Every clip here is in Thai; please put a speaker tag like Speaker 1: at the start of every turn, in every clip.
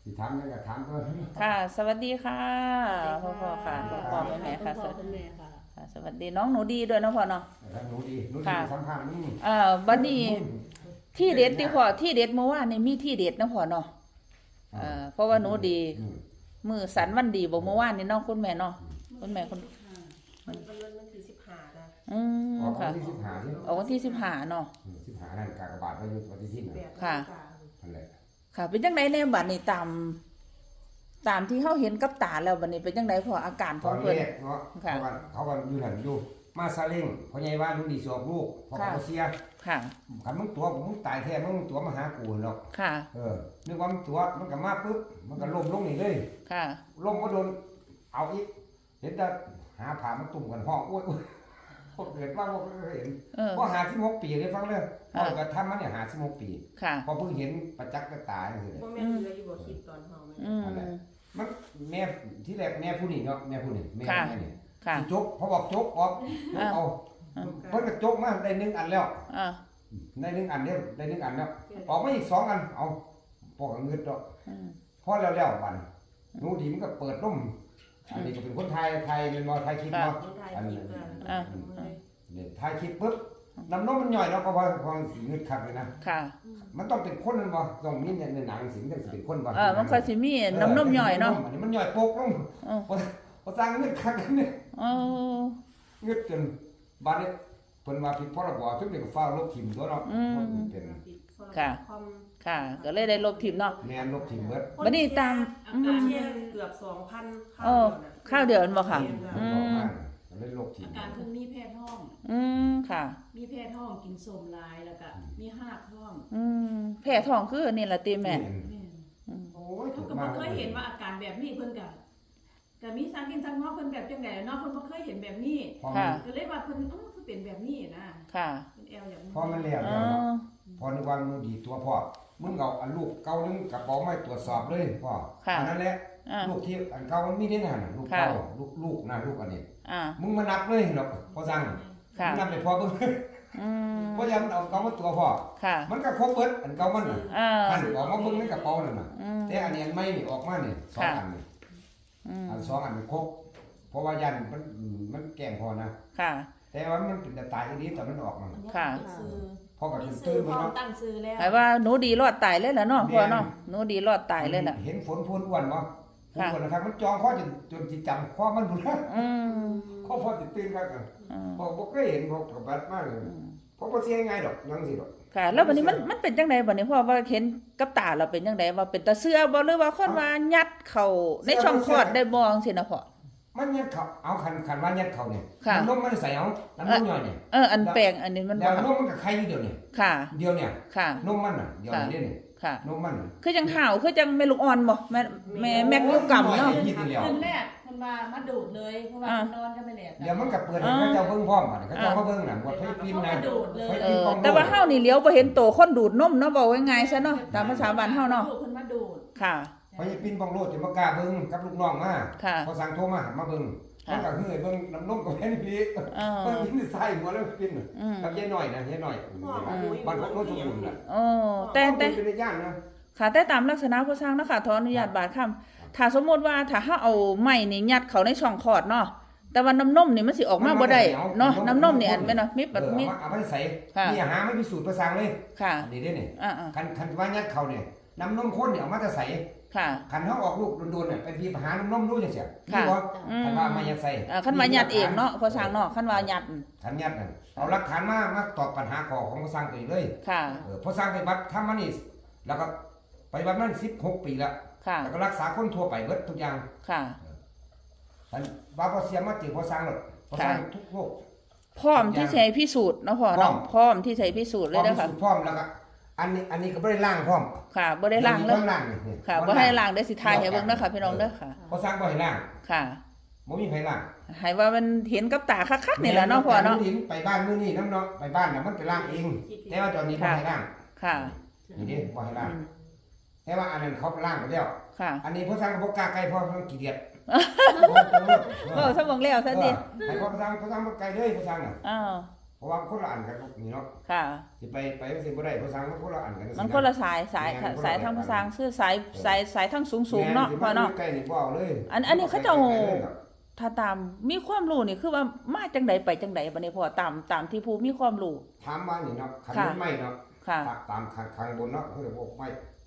Speaker 1: สิถามยังก็ถามก็
Speaker 2: ค่ะสวัสดีค่ะพ่อค่ะพ่อแม่ค่ะสวัสดีค่ะสวัสดีน้องหนูดีด้วยนะพ่อเนาะ
Speaker 1: หนูดีสัมภาษณ์นี่
Speaker 2: บัดนี้ที่เด็ดที่พ่อที่เด็ดเมื่อวานนี่มีที่เด็ดนะพ่อเนาะเพราะว่าหนูดีมือสันวันดีบอกเมื่อวานนี่เนาะคุณแม่เนาะคุณแม่คน
Speaker 3: มันคือ15นะ
Speaker 2: ค่ะ
Speaker 1: ออกวันที่
Speaker 2: 15เนาะ
Speaker 1: 15นั่นกากบาทไว้อยู่วันที่10
Speaker 2: ค่ะ
Speaker 1: นั่นแหละ
Speaker 2: ค่ะเป็นจังไดในบัดนี้ตามที่เขาเห็นกับตาแล้วบัดนี้เป็นจังไดพออาการของเพิ่น
Speaker 1: เนาะเขาก็อยู่นั่นอยู่มาซาเล้งพ่อใหญ่ว่าลูกดีสอบลูกพ่อเขาเสีย
Speaker 2: ค่ะ
Speaker 1: คันมึงตัวมึงตายแท้มึงตัวมาหากูหรอก
Speaker 2: ค่ะ
Speaker 1: นึกว่ามันตัวมันก็มาปึ๊บมันก็ล้มลงนี่เลย
Speaker 2: ค่ะ
Speaker 1: ล้มก็โดนเอาอีกเห็นแต่หาผ่ามาตุ่มกันห้องโอ้ยพวกเกิดว่าพวกเห็นพอ56 ปีได้ฟังเลยพอก็ทำมาเนี่ย56 ปีพอเพิ่งเห็นประจักษ์กับตาจังซี่
Speaker 3: บ่แม่นเลยอยู่บ่คิดตอนเฮา
Speaker 1: มันแม่ที่แรกแม่ผู้นี้เนาะแม่ผู้นี้แม่นี่สิจกพอบอกจกออกเอาเพิ่นก็จกมาได้1 อันแล้วได้1 อันเด้อได้1 อันแล้วออกมาอีก2 อันเอาพอก็เงิดดอกพอแล้วบัดหนูดีมันก็เปิดนมอันนี้ก็เป็นคนไทยเป็นบ่ไทยคลิปเนาะอันนี้นี่ไทยคลิปปึ๊บน้ำนมมันย่อยเนาะก็พอสิเงิดคักเลยนะ
Speaker 2: ค่ะ
Speaker 1: มันต้องเป็นคนมันบ่ต้องมีในหนังสิมันสิเป็นคนบ่
Speaker 2: มันก็สิมีน้ำนมย่อยเนาะ
Speaker 1: อันนี้มันย่อยโปกลงพอสร้างเงิดคักกันเนี่ยเงิดจนบัดนี้เพิ่นว่าผิดพรบทุกเด็กก็ฟ้าลบทิ่มตัวเนาะเป็น
Speaker 2: ค่ะก็เลยได้ลบทิ่มเนาะ
Speaker 1: แม่นลบทิ่มเบิด
Speaker 2: บัดนี้ตาม
Speaker 3: เกือบ 2,000
Speaker 2: ข้าวเดือนบ่ค่ะ
Speaker 1: เลยลบทิ่ม
Speaker 4: อาการคือมีแพ้ท้อง
Speaker 2: ค่ะ
Speaker 4: มีแพ้ท้องกินส้มหลายแล้วก็มีหากท้อง
Speaker 2: แพ้ท้องคือนี่ล่ะติแม่
Speaker 1: โอ้ย
Speaker 4: ก็บ่เคยเห็นว่าอาการแบบนี้เพิ่นก็มีสังกินสังงอเพิ่นแบบจังได๋เนาะเพิ่นบ่เคยเห็นแบบนี้ก็เลยว่าเพิ่นคือเป็นแบบนี้นะ
Speaker 2: ค่ะ
Speaker 4: เป็นแอลอย่าง
Speaker 1: พอมันแล้วพอนึกว่ามึงดีตัวพ่อมึงเอาอันลูกเก่านึงกระเป๋าไม้ตรวจสอบเลยพ่ออันนั้นแหละลูกที่อันเก่ามันมีได้นั่นลูกเก่าลูกนะลูกอันนี้มึงมานับเลยหรอกพอสั่งมึงนับได้พอเบิ่งเพราะยังเอาเก่ามาตัวพ่อมันก็ครบเบิดอันเก่ามันน่ะอันออกมาเบิ่งในกระเป๋านั่นน่ะแต่อันนี้อันใหม่นี่ออกมานี่2 อันนี่อัน2 อันมันครบเพราะว่ายันมันแกล้งพอนะแต่ว่ามันเป็นตายอีนี้แต่มันออกมันพ่อก็ตื่นมาเนาะ
Speaker 4: ตั้งซื้อแล้ว
Speaker 2: หมายว่าหนูดีรอดตายเลยล่ะเนาะพ่อเนาะหนูดีรอดตายเลยล่ะ
Speaker 1: เห็นฝนพูนอ้วนบ่พูนอ้วนนะครับมันจองคอจนสิจำคอมันพุ่นข้อพอสิตื่นครับพ่อบ่เคยเห็นพ่อก็บัดมากเลยพ่อบ่เสียง่ายดอกยังสิดอก
Speaker 2: ค่ะแล้วบัดนี้มันเป็นจังได๋บัดนี้พ่อว่าเห็นกับตาเราเป็นจังได๋ว่าเป็นตาเสือบ่หรือว่าคนว่ายัดเข้าในช่องคลอดได้บ่จังซี่นะพ่อ
Speaker 1: มันยัดเขาเอาคันว่ายัดเขาเนี่ยน้ำนมมันใส่เอาน้ำนมย่อยเนี่ย
Speaker 2: อันแปลงอันนี้มัน
Speaker 1: แล้วนมมันกับใครอยู่เดียวเนี่ยเดียวเนี่ยนมมันน่ะเดียวนี่เนี่ยนมมัน
Speaker 2: คือจังห่าวคือจังแม่ลูกอ่อนบ่แม่แม่ลูกกำเนาะ
Speaker 4: คนแรกคนมาดูดเลยเพราะว่านอนก็ไม่แล
Speaker 1: เดี๋ยวมันก็เปิดให้เขาเจ้าเบิ่งพร้อมกันเขาเจ้ามาเบิ่งน่ะบ่ให้ปินนะ
Speaker 2: แต่ว่าเฮานี่เลี้ยวบ่เห็นโตคนดูดนมเนาะบ่ว่าง่ายซะเนาะตามภาษาบ้านเฮาเนาะ
Speaker 4: เพิ่นมาดูด
Speaker 2: ค่ะ
Speaker 1: พอให้ปินบังโลดจะบ่กล้าเบิ่งกับลูกน้องมาพอสั่งโทรมาเบิ่งมันก็คือเบิ่งน้ำนมกับแม่นี่พี่เพิ่นกินใส่หัวแล้วกินกับยายน้อยนะยายน้อยบ้านของโนนสมบูรณ์น่ะ
Speaker 2: แต่
Speaker 1: เป็นญาตินะ
Speaker 2: ค่ะแต่ตามลักษณะผู้สร้างนะคะขออนุญาตบาดคำถ้าสมมุติว่าถ้าเฮาเอาไม้นี่ยัดเข้าในช่องคลอดเนาะแต่ว่าน้ำนมนี่มันสิออกมาบ่ได้เนาะน้ำนมนี่อันแม่นเนาะมี
Speaker 1: เอาไปใส่นี่หาไม่พิสูจน์ประสางเลย
Speaker 2: ค่ะ
Speaker 1: นี่เด้นี่คันว่ายัดเข้าเนี่ยน้ำนมข้นเนี่ยเอามาจะใส่คันเฮาออกลูกโดนๆเนี่ยไปบีบหาน้ำนมดูจังซี่นี่บ่คันว่ามายัดใส่
Speaker 2: คันว่ายัดเองเนาะผู้สร้างเนาะคันว่ายัด
Speaker 1: คันยัดน่ะเอาหลักฐานมาตอบปัญหาของผู้สร้างตัวเองเลย
Speaker 2: ค่ะ
Speaker 1: ผู้สร้างไปบัดทำมานี่แล้วก็ไปบัดนั้น16 ปีแล้วแล้วก็รักษาคนทั่วไปเบิดทุกอย่าง
Speaker 2: ค่ะ
Speaker 1: ท่านบาบ่เสียมาติพอสร้างหรอกพอสร้างทุกโลก
Speaker 2: พร้อมที่ใช้พิสูจน์เนาะพ่อเนาะพร้อมที่ใช้พิสูจน์เลยเด้อค่ะ
Speaker 1: พร้อมแล้วก็อันนี้ก็บ่ได้ล้างพร้อม
Speaker 2: ค่ะบ่ได้ล้างเลยค่ะบ่ให้ล้างได้สิทายให้เบิ่งเด้อค่ะพี่น้องเด้อค่ะ
Speaker 1: พอสร้างบ่ให้ล้าง
Speaker 2: ค่ะ
Speaker 1: บ่มีไผล้าง
Speaker 2: ให้ว่ามันเห็นกับตาคักๆนี่แหละเนาะพ่อเนาะ
Speaker 1: ไปบ้านมื้อนี้นำเนาะไปบ้านน่ะมันไปล้างเองแต่ว่าตอนนี้บ่ให้ล้าง
Speaker 2: ค่ะ
Speaker 1: นี่เด้บ่ให้ล้างแต่ว่าอันนั้นเขาล้างไปแล้วอันนี้พอสร้างก็บ่กล้าใกล้เพราะมันขี้เกียจ
Speaker 2: ซะเบิ่งแล้วซะดิ
Speaker 1: ให้พอสร้างบ่ไกลเด้อพอสร้างน่ะเพราะว่าคนละอันกันนี่เนาะ
Speaker 2: ค่ะ
Speaker 1: สิไปสิบ่ได้ภาษามันคนละอันกัน
Speaker 2: มันคนละสายทางภาษาคือสายทางสูงๆเนาะพ่อเนาะ
Speaker 1: ใกล้นี่บ่เอาเลย
Speaker 2: อันนี้เขาเจ้าถ้าตามมีความรู้นี่คือว่ามาจังใดไปจังใดบัดนี้พ่อตามที่ผู้มีความรู้
Speaker 1: ถามว่านี่เนาะคันเป็นไม้เนาะ
Speaker 2: ค่ะ
Speaker 1: ตามข้างบนเนาะเขาเรียกว่าไม้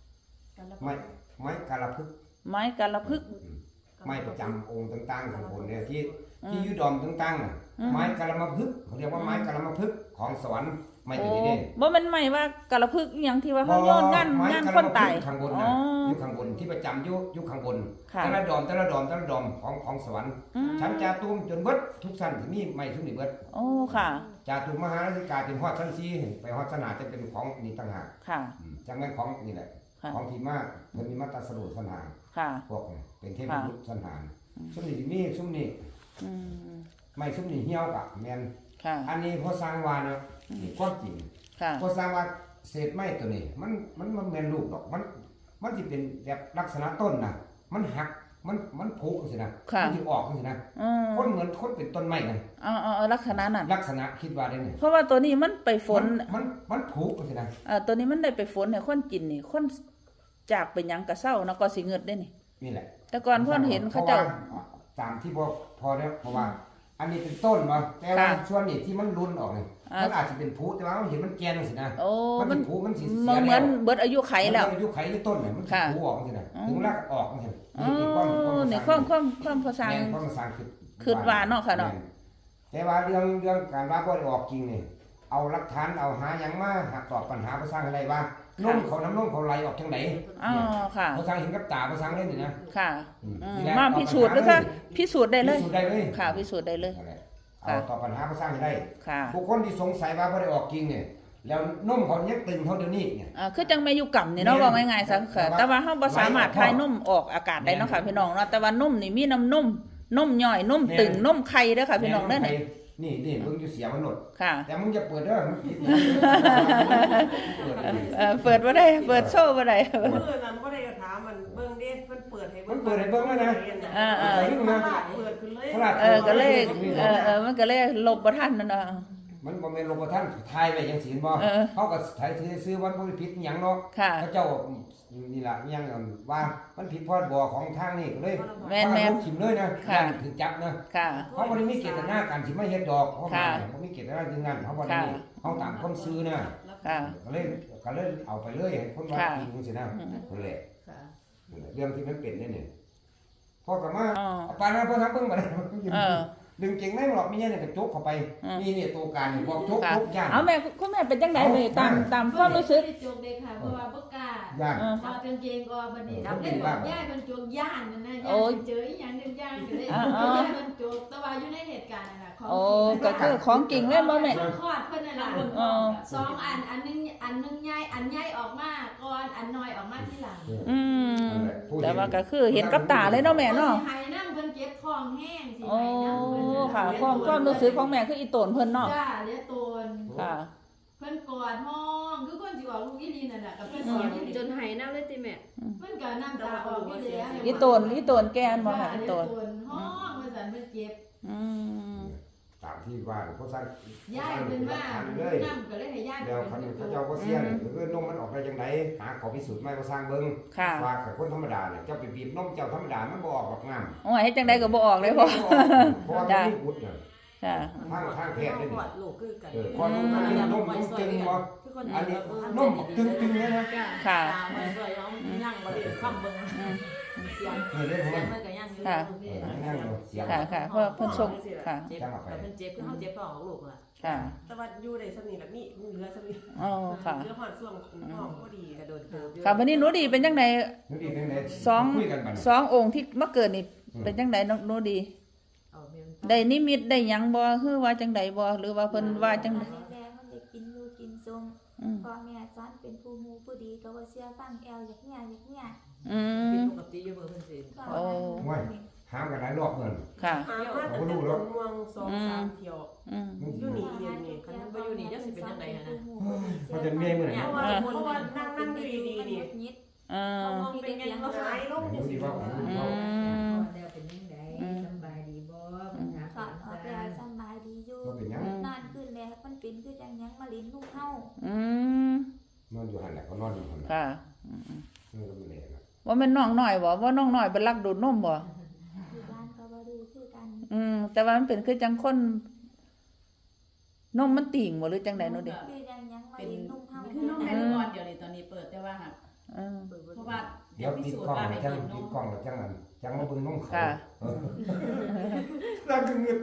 Speaker 1: กาลพึกษ์
Speaker 2: ไม้กาลพึกษ์
Speaker 1: ไม้ประจำองค์ต่างๆข้างบนเนี่ยที่อยู่ดอมต่างๆน่ะไม้กาลมพึกษ์เขาเรียกว่าไม้กาลมพึกษ์ของสวรรค์ไม้ตัวนี้เด้
Speaker 2: บ่แม่นไม้ว่ากาลพึกษ์อีหยังที่ว่าเขาโยนงานคนตาย
Speaker 1: ข้างบนน่ะอยู่ข้างบนที่ประจำอยู่ข้างบน
Speaker 2: ค่ะ
Speaker 1: แต่ละดอมของสวรรค์ชั้นจาตุมจนเบิดทุกชั้นสิมีไม้ทุกนี่เบิด
Speaker 2: โอ้ค่ะ
Speaker 1: จาตุมมหาราชิกาเป็นฮอดชั้น4ไปฮอดชั้น5จะเป็นของนี่ต่างหาก
Speaker 2: ค่ะ
Speaker 1: จังแม่นของนี่แหละ
Speaker 2: ค่ะ
Speaker 1: ของที่มาเพิ่นมีมาตราสรุปสันหา
Speaker 2: ค่ะ
Speaker 1: พวกนี่เป็นเทพบุตรสันหารซุมนี่สิมีซุมนี่
Speaker 2: อืม
Speaker 1: ไม่ซุมนี่เหี่ยวกะแม่น
Speaker 2: ค่ะ
Speaker 1: อันนี้พอสร้างว่าเนาะนี่ความจริง
Speaker 2: ค่ะ
Speaker 1: พอสร้างว่าเศษไม้ตัวนี้มันแม่นลูกดอกมันสิเป็นแบบลักษณะต้นน่ะมันหักมันผุจังซี่นะ
Speaker 2: ค่ะ
Speaker 1: มันสิออกจังซี่นะ
Speaker 2: อืม
Speaker 1: คนเหมือนคนเป็นต้นไม้น่ะ
Speaker 2: เอาลักษณะนั้น
Speaker 1: ลักษณะคิดว่าได้นี่
Speaker 2: เพราะว่าตัวนี้มันไปฝน
Speaker 1: มันผุจังซี่นะ
Speaker 2: ตัวนี้มันได้ไปฝนให้คนกินนี่คนจากเป็นหยังกะเศร้าเนาะก็สิเงิดได้นี่
Speaker 1: นี่แหละ
Speaker 2: แต่ก่อนเพิ่นเห็นเขาเจ้า
Speaker 1: พระว่ตามที่พอแล้วเพราะว่า อันนี้เป็นต้นมาแต่ว่า
Speaker 2: ค่ะ
Speaker 1: ส่วนนี้ที่มันรุนออกนี่
Speaker 2: อ่ามั
Speaker 1: มันอาจจะเป็นผุแต่ว่าเราเห็นมันแก่นสินะ
Speaker 2: โอ้
Speaker 1: มัน
Speaker 2: มัน
Speaker 1: สิผุมันสิ
Speaker 2: ม
Speaker 1: เสี
Speaker 2: อย งเหมื
Speaker 1: แล้
Speaker 2: อน
Speaker 1: ว
Speaker 2: เบิดอายุไขแล้ว
Speaker 1: มันอายุไขที่ต้นเนี่ยมันสิ
Speaker 2: ค่ะ
Speaker 1: ผุออกสินะ
Speaker 2: อ๋อ
Speaker 1: ถึงเวลาออกสิ
Speaker 2: อ๋อ
Speaker 1: นี่ความ
Speaker 2: นี่ความภาษา
Speaker 1: แม่นความภาษา
Speaker 2: คิดว่าเนาะค่ะเนาะ
Speaker 1: แม่แต่ว่าเรื่องการว่าบ่ได้ออกจริงนี่เอาหลักฐานเอาหาหยังมาหาตอบปัญหาภาษาอะไรว่านุ่มเขาน้ำนุ่มเขาไหลออกทางไหน
Speaker 2: อ๋อค่ะ
Speaker 1: ภาษาเห็นกับตาภาษาเล่นนี่นะ
Speaker 2: ค่ะ
Speaker 1: นี่แหละ
Speaker 2: มาพิสูจน์ด้วยค่ะพิสูจน์ได้เลย
Speaker 1: พิสูจน์ได้เลย
Speaker 2: ค่ะพิสูจน์ได้เลย
Speaker 1: นั่นแหละเอาตอบปัญหาภาษาให้ได้
Speaker 2: ค่ะ
Speaker 1: บุคคลที่สงสัยว่าบ่ได้ออกจริงเนี่ยแล้วนุ่มเขายังตึงเท่าเดี๋ยวนี้เนี่ย
Speaker 2: คือจังแม่อยู่กำนี่เนาะว่าง่ายๆซะค่ะแต่ว่าเฮาบ่สามารถทายนมออกอากาศได้เนาะค่ะพี่น้องเนาะแต่ว่านมนี่มีน้ำนมย่อยนมตึงนมไข่เด้อค่ะพี่น้องเด้อนี่
Speaker 1: นี่มึงจะเสียมันหมด
Speaker 2: ค่ะ
Speaker 1: แต่มึงจะเปิดเด้อมึงผิด
Speaker 2: เปิดบ่ได้เปิดโชว์บ่ได้
Speaker 3: มื้อนั้นบ่ได้ถามมันเบิ่งเด้มันเปิดให้
Speaker 1: มันเปิดให้เบิ่งแล้วนะ
Speaker 2: อ่า
Speaker 1: เรื่องนะ
Speaker 3: เปิดขึ้นเลย
Speaker 2: ก็เลยมันก็เลยลบบ่ทันนั่นน่ะ
Speaker 1: มันบ่แม่นลงบ่ทันทายไว้จังซี่บ่เฮาก็ถ่ายซื้อวันบ่ผิดหยังเนาะ
Speaker 2: ค่ะ
Speaker 1: พระเจ้านี่ล่ะยังว่ามันผิดพรบของทางนี้ก็เลย
Speaker 2: แม่น
Speaker 1: ถิ่มเลยนะ
Speaker 2: ค่ะ
Speaker 1: ถึงจับนะ
Speaker 2: ค่ะ
Speaker 1: เขาบ่ได้มีเจตนาการสิมาเฮ็ดดอกเพราะ
Speaker 2: ค่ะ
Speaker 1: บ่มีเจตนาอย่างนั้นเขาบ่ได้มีเขาตามความซื่อนะ
Speaker 2: ค่ะ
Speaker 1: ก็เลยเอาไปเลยให้คนว่า
Speaker 2: ค่ะ
Speaker 1: จริงจังซี่นะนั่นแหละ
Speaker 4: ค่ะ
Speaker 1: นั่นแหละเรื่องที่มันเป็นนี่พ่อก็มา
Speaker 2: อ๋อ
Speaker 1: เอาปานนั้นพ่อทำเบิ่งบ่ได้
Speaker 2: เออ
Speaker 1: ดึงเก่งได้หรอกมีเนี่ยก็จกเข้าไปนี่ตัวการบอกจก
Speaker 2: ค่ะ
Speaker 1: จกย่าน
Speaker 2: เอาแม่คุณแม่เป็นจังได๋เลยตามความรู้สึก
Speaker 4: ได้จกเลยค่ะเพราะว่าบ่กล้า
Speaker 1: ย่าน
Speaker 4: ถอดกางเกงก็บัดนี้เล่นบอกย่าเพิ่นจกย่านนั่นนะย่าเจออีหยังย่านก็เลยย่าเพิ่นจกแต่ว่าอยู่ในเหตุการณ์นั่นน่ะของ
Speaker 2: โอ้ก็คือของจริงเลยบ่แม่
Speaker 4: คลอดเพิ่นนั่นล่ะสองอันนึงใหญ่อันใหญ่ออกมาก่อนอันน้อยออกมาทีหลัง
Speaker 2: อืมแต่ว่าก็คือเห็นกับตาเลยเนาะแม่เนาะ
Speaker 4: สิให้นำเพิ่นเจ็บท้องแห้งสิ
Speaker 2: โอ้
Speaker 4: ให้นำเพิ่น
Speaker 2: ค่ะความรู้สึกของแม่คืออีโตนเพิ่นเนาะ
Speaker 4: จ้าเลี้ยตน
Speaker 2: ค่ะ
Speaker 4: เพิ่นกอดห้องคือคนสิออกลูกอีหลีนั่นน่ะกับเพิ่นสอนอีหลี
Speaker 3: จนหายน้ำเลยติแม่
Speaker 4: เพิ่นก็น้ำตาออกอยู่แล้ว
Speaker 2: อีโตนแกนบ่ค่ะอีโตน
Speaker 4: ห้องว่าซั่นเพิ่นเจ็บ
Speaker 2: อืม
Speaker 1: ตามที่ว่าเขาสร้าง
Speaker 4: ย้ายเพิ่นมา
Speaker 1: เลย
Speaker 4: น้ำก็เลยให้ย้าย
Speaker 1: แล้วคันเขาเจ้าก็เสียนี่คือนมมันออกได้จังไดหาขอพิสูจน์ไม่ก็สร้างเบิ่ง
Speaker 2: ค่ะ
Speaker 1: ว่ากับคนธรรมดาเนี่ยเจ้าไปบีบนมเจ้าธรรมดามันบ่ออกหรอกงาม
Speaker 2: โอ้ยเฮ็ดจังได๋ก็บ่ออกเลยพ่อ
Speaker 1: เพราะว่ามันมีบุตรน่ะ
Speaker 2: ค่ะ
Speaker 1: ทางแพทย์ได้
Speaker 3: ป
Speaker 1: นี่
Speaker 3: วดลูกคือกัน
Speaker 1: พอนุ่มมันนมตึงบ่อันนี้นมตึงเนี่ยนะ
Speaker 2: ค่ะ
Speaker 5: มันก็ยังยังบ่ได้คำเบิ่ง
Speaker 2: อืม
Speaker 5: เสียง
Speaker 1: นี่เรื่องของ
Speaker 5: เสีย
Speaker 1: มั
Speaker 5: ง
Speaker 1: น
Speaker 5: มันก็ยังอยู่
Speaker 2: ค่ะ
Speaker 1: นั่งเสียง
Speaker 2: ค่ะเพราะเพิ่นส่งค่ะ
Speaker 5: เจ็บแต่เพิ่นเจ็บคือเฮาเจ็บท้องของลูกล่ะ
Speaker 2: ค่ะ
Speaker 3: แต่ว่าอยู่ได้สนิทแบบนี้เหลือสนิท
Speaker 2: อ๋อค่ะ
Speaker 3: เหลือหอดส่วงห้องพอดี
Speaker 5: กระโดดเติบอยู่
Speaker 2: ค่ะวันนี้หนูดีเป็นจังได๋
Speaker 1: นี่ดีเป็นไง
Speaker 2: สอง
Speaker 1: คุยกันบัด
Speaker 2: สององค์ที่มาเกิดนี่เป็นจังได๋หนูดี
Speaker 5: เอาแม่น
Speaker 2: ได้นิมิตได้หยังบ่คือว่าจังไดบ่หรือว่าเพิ่นว่าจังได๋
Speaker 6: แม่เขาจะกินอยู่กินซุม
Speaker 2: อืม
Speaker 6: พ่อแม่สอนเป็นผู้มูผู้ดีก็ว่าเชื่อฟังแอลอยากเนี่ยอยากเนี่ย
Speaker 2: อื
Speaker 5: ผิด
Speaker 2: ม
Speaker 5: ปกติอยู่เบิ่งเพิ่นสิ
Speaker 6: ก็
Speaker 2: โอ้
Speaker 1: ว่าหามกันหลายรอบเงิน
Speaker 2: ค่ะ
Speaker 3: หามาแต่เป็นม่วง2-3เที่ยว
Speaker 2: อืม
Speaker 3: อยู่นี่เย็นนี่
Speaker 5: คันมันบ่อยู่นี่จักสิเป็นจังได๋หั่นน่ะ
Speaker 1: มันจะเมียมื้อไหน
Speaker 3: เพราะว่านั่งอยู่ดีๆนี่
Speaker 6: นิด
Speaker 2: เออ
Speaker 5: มองเป็นไงเนาะ
Speaker 3: หายลง
Speaker 1: ดู
Speaker 3: จัง
Speaker 1: สิ
Speaker 3: ซี่
Speaker 1: ว่าของ
Speaker 2: อื
Speaker 1: เขา
Speaker 2: ม
Speaker 7: แล้วเป็นยังไงสำบายดีบ่ปัญหา
Speaker 6: ถอดออกแล้วสบายดีอยู่
Speaker 1: ก็เป็นหยัง
Speaker 6: นอนขึ้นแล้วมันเป็นหยังมาลิ้นลูกเฮา
Speaker 2: อืม
Speaker 1: นอนอยู่หันแหละเขานอนอยู่หัน
Speaker 2: ค่ะ
Speaker 1: นี่ก็ไม่แน่นะ
Speaker 2: ว่าแม่นน้องน้อยบ่ว่าน้องน้อยเป็นลักดูดนมบ่
Speaker 6: อยู่บ้านก็บ่ดูคือกัน
Speaker 2: แต่ว่ามันเป็นคือจังคนนมมันติ่งบ่หรือจังได๋เนาะเด็ก
Speaker 6: คือยังมา
Speaker 4: เป็น
Speaker 6: ลิ้นลูกเฮา
Speaker 4: คือน้องแม่ลูกอ่อนเดี๋ยวนี้ตอนนี้เปิดแต่ว่าหักเพราะว่า
Speaker 1: เดี๋ยว
Speaker 4: พิ
Speaker 1: ติด
Speaker 4: สูจ
Speaker 1: กล้อง
Speaker 4: น์ว่า
Speaker 1: แล้
Speaker 4: ให้
Speaker 1: วจัง
Speaker 4: กินน
Speaker 1: ติด
Speaker 4: ม
Speaker 1: กล้องแล้วจังอันจังมาเบิ่งนมเขา
Speaker 2: ค่ะ
Speaker 1: แล้วก็เงิน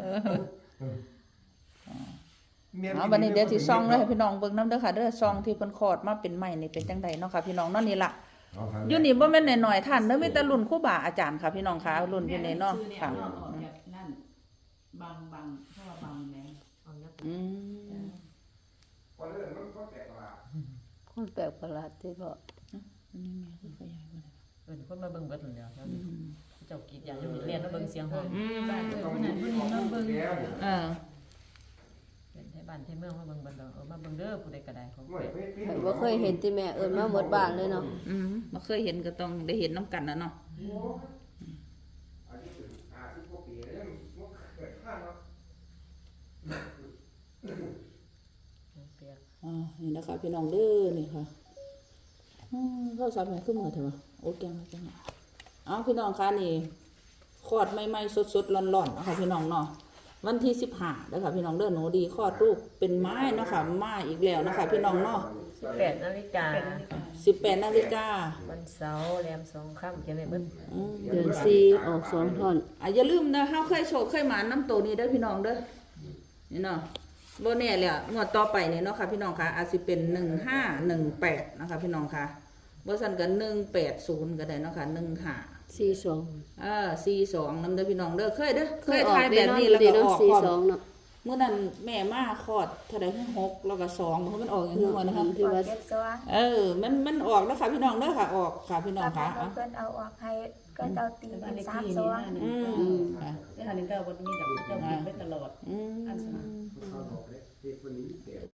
Speaker 2: เอาบัดนี้เดี๋ยวสิซ่องเลยให้พี่น้องเบิ่งนำเด้อค่ะเด้อซ่องที่เพิ่นคลอดมาเป็นใหม่นี่เป็นจังไดเนาะค่ะพี่น้องเนาะนี่ล่ะอยู่นี่บ่แม่นน้อยๆท่านเด้อมีแต่รุ่นครูบาอาจารย์ค่ะพี่น้องค่ะรุ่นอยู่นี่เนาะ
Speaker 4: ซื้อเนี่ย
Speaker 2: ค่ะ
Speaker 4: นอกออกจากนั่นบางเพราะว่าบางแม่
Speaker 5: เอาเนี้ย
Speaker 2: อืม
Speaker 1: คนเรื่องมันก็แปลกประหลาด
Speaker 7: คนแปลกประหลาดที่บอก
Speaker 2: นี่แม่คือขยายมา
Speaker 5: คนมาเบิ่งเบิดแล้วเจ้ากรีดยางอยู่เรียนมาเบิ่งเสียงห้อง
Speaker 4: บ้านคนนั้นคนนี้มาเบิ่ง
Speaker 5: เป็นไทบ้านไทเมืองมาเบิ่งเบิดแล้วมาเบิ่งเด้อผู้ใดก็ได้ของ
Speaker 7: แต่ว่าเคยเห็นที่แม่เอิญมาหมดบ้านเลยเนาะ
Speaker 2: บ่เคยเห็นก็ต้องได้เห็นน้ำกันนะเนาะ
Speaker 1: อันนี้ถึง50กว่าปีแล้วมันเกิดข้างเนาะ
Speaker 5: เปียก
Speaker 2: นี่นะคะพี่น้องเด้อนี่ค่ะเข้าสารแม่ขึ้นมาเถอะวะโอเคมาจังเอาพี่น้องค่ะนี่คลอดใหม่ๆสดๆร้อนๆนะคะพี่น้องเนาะวันที่15เด้อค่ะพี่น้องเด้อหนูดีคลอดลูกเป็นไม้เนาะค่ะมาอีกแล้วนะคะพี่น้องเนาะ
Speaker 5: 18 นาฬิกา
Speaker 2: 18 นาฬิกา
Speaker 5: วันเสาร์แรม2ค่ำเขียนไว้เบิด
Speaker 7: เดือน4ออก2ท่อน
Speaker 2: อย่าลืมนะเฮาเคยโชคเคยหมาน้ำโตนี้เด้อพี่น้องเด้อนี่เนาะบ่แน่แหละงวดต่อไปนี่เนาะค่ะพี่น้องค่ะอาจสิเป็น1518นะคะพี่น้องค่ะบ่ซั่นก็180ก็ได้เนาะค่ะ15 42นำเด้อพี่น้องเด้อเคยเด้อเคยทายแบบนี้แล้วก็ออกพร้อม
Speaker 7: 42เนาะ
Speaker 2: เมื่อนั้นแม่มาคลอดเท่าใด6แล้วก็2มันออกอย่างนี้ว่านะคะ
Speaker 7: ที่ว่า
Speaker 6: เก็บซะ
Speaker 2: มันออกแล้วค่ะพี่น้องเด้อค่ะออกค่ะพี่น้องค่ะ
Speaker 6: เพิ่นเอาออกให้ก็เอาตี
Speaker 4: บ้าน
Speaker 6: เป็น
Speaker 4: เลข
Speaker 6: 3
Speaker 4: ที่
Speaker 6: ซ
Speaker 4: นี่
Speaker 6: อ
Speaker 4: นะ
Speaker 2: อืมค่ะ
Speaker 4: ได้ทานนึงก็บ่มีกับเจ้ากิน